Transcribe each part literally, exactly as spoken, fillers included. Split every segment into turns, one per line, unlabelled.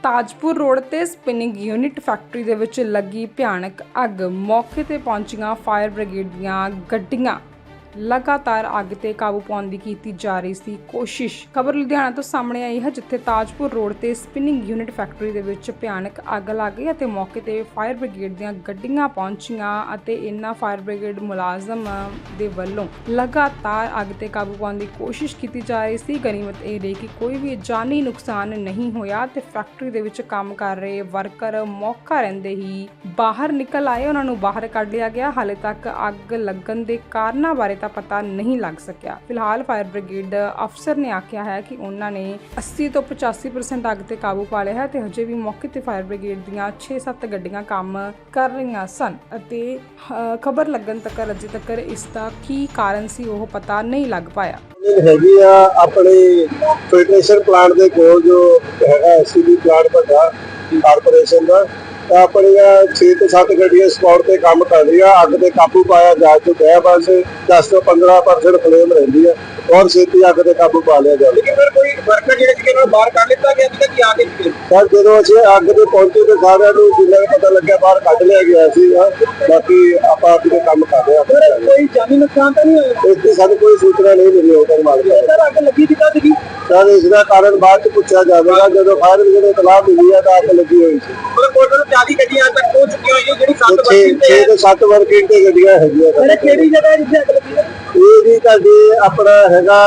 Tajpur road ਤੇ spinning unit factory ਦੇ ਵਿੱਚ ਲੱਗੀ ਭਿਆਨਕ ਅੱਗ। ਮੌਕੇ ਤੇ ਪਹੁੰਚੀਆਂ ਫਾਇਰ ਬ੍ਰਿਗੇਡ ਦੀਆਂ ਗੱਡੀਆਂ लगातार अग ते काबू पाने की कीती जा रही सी कोशिश। खबर लुधियाना तो सामने आई है, जिथे ताजपुर रोड ते स्पिनिंग यूनिट फैक्टरी दे विच भयानक अग लग गई ते मौके ते फायर ब्रिगेड दीयां गड्डियां पहुंचियां अते इन्हां फायर ब्रिगेड मुलाजम दे वल्लों लगातार अग ते काबू पाने की कोशिश की जा रही सी। गनीमत यह रही कि कोई भी जानी नुकसान नहीं होया ते फैक्टरी दे विच काम कर रहे वर्कर मौका रहिंदे ही बाहर निकल आए, उन्हां नूं बाहर कढ लिया गया। हाले तक अग लगन दे कारणों बारे पता नहीं लग सकिया। फिलहाल फायर ब्रिगेड अफसर ने आख्या है कि उन्होंने अस्सी तो पचासी परसेंट अग ते काबू पा लिया है ते हजे भी मौके ते फायर ब्रिगेड दीयां छे सत्त गड्डियां काम कर रही सन अते खबर लगन तक अजे तक इसका की कारण सी वो पता नहीं लग पाया।
हैगी आ अपने फिल्ट्रेशन प्लांट दे कोल जो हैगा एससीबी प्लांट वड्डा कारपोरेशन दा अपनियां छे तो सत्त गड्डियां स्पॉट ते काम कर रही है। अग ते काबू पाया जा चुका है। बस दस तो पंद्रह परसेंट फ्लेम रही है और छेती अग ते काबू पा लिया जाए। लेकिन फिर कोई वर्कर जिहड़े बाहर कढ लिता गया कि क्या आगे सर जो असीं अग ते पहुंचे तो सारिਆਂ ਨੂੰ जिन्ना पता लग्या बाहर कढ लिया गया सी। बाकी आप अग ते काम कर रहे हैं। कोई जानी नुकसान तो नहीं होया? इसकी सानू कोई सूचना नहीं मिली होकर मालूम सर अग लगी कितना सी सर इसका कारण बाद च पूछा जाएगा। जो फायर ब्रिगेड को इतलाह मिली है तो अग लगी हुई सी। मतलब टोटल चालीस गड्डियां तक पहुंच चुकी हुई है ਜਿਹੜੀ सत्त वर्किंग ते छे तो सत्त वर्किंग ते गड्डियां हैगियां। अरे केड़ी जगह जिथे अग लगी है? ਇਹ ਜੀ ਤੁਹਾਡੇ ਆਪਣਾ ਹੈਗਾ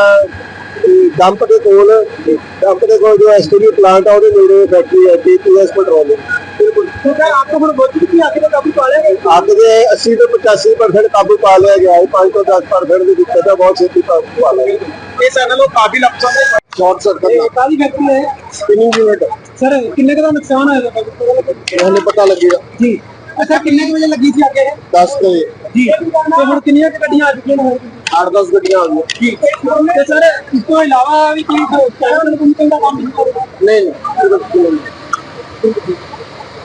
ਡੰਪ ਦੇ ਕੋਲ ਡੰਪ ਦੇ ਕੋਲ ਜੋ ਐਸਟੀਬੀ ਪਲਾਂਟ ਆ ਉਹਦੇ ਨੇੜੇ ਫੈਕਟਰੀ ਹੈ ਟੀਪੀਐਸ ਪੈਟਰੋਲੀਅਮ। ਬਿਲਕੁਲ ਸਰ ਆਪ ਨੂੰ ਬਹੁਤ ਕਿੰਨੀ ਅੱਗ ਤੇ ਕਾਬੂ ਪਾ ਲਿਆ ਗਿਆ? ਅੱਗ ਦੇ अस्सी ਤੋਂ पचासी परसेंट ਕਾਬੂ ਪਾ ਲਿਆ ਗਿਆ ਹੈ। पाँच ਤੋਂ दस परसेंट ਦੀ ਦਿੱਕਤ ਹੈ, ਬਹੁਤ ਛੇਤੀ ਕਾਬੂ ਪਾ ਲਿਆ ਗਿਆ। ਇਹ ਸਾਡੇ ਲੋਕ ਕਾਬਿਲ ਅਫਸਰ ਨੇ ਸ਼ਾਰਟ ਸਰਕਟ ਇਹ ਕਾਹਦੀ ਫੈਕਟਰੀ ਹੈ? Spinning unit. ਸਰ ਕਿੰਨੇ ਕੁ ਦਾ ਨੁਕਸਾਨ ਹੋਇਆ ਤੁਹਾਨੂੰ ਪਤਾ ਲੱਗੇਗਾ ਜੀ? ਅੱਛਾ ਕਿੰਨੇ ਵਜੇ ਲੱਗੀ ਸੀ ਅੱਗ? दस ਵਜੇ ਜੀ। ਤੇ ਹੁਣ ਕਿੰਨੀਆਂ ਗੱਡੀਆਂ ਆ ਚੁੱਕੀਆਂ ਨੇ? आठ दस गड्डियां आ गई जी। ਤੇ ਸਰ ਇਸ ਤੋਂ ਇਲਾਵਾ ਵੀ ਕੋਈ ਫਾਇਰ ਬ੍ਰਿਗੇਡ ਦਾ ਕੰਮ ਨਹੀਂ? ਨਹੀਂ ਨਹੀਂ।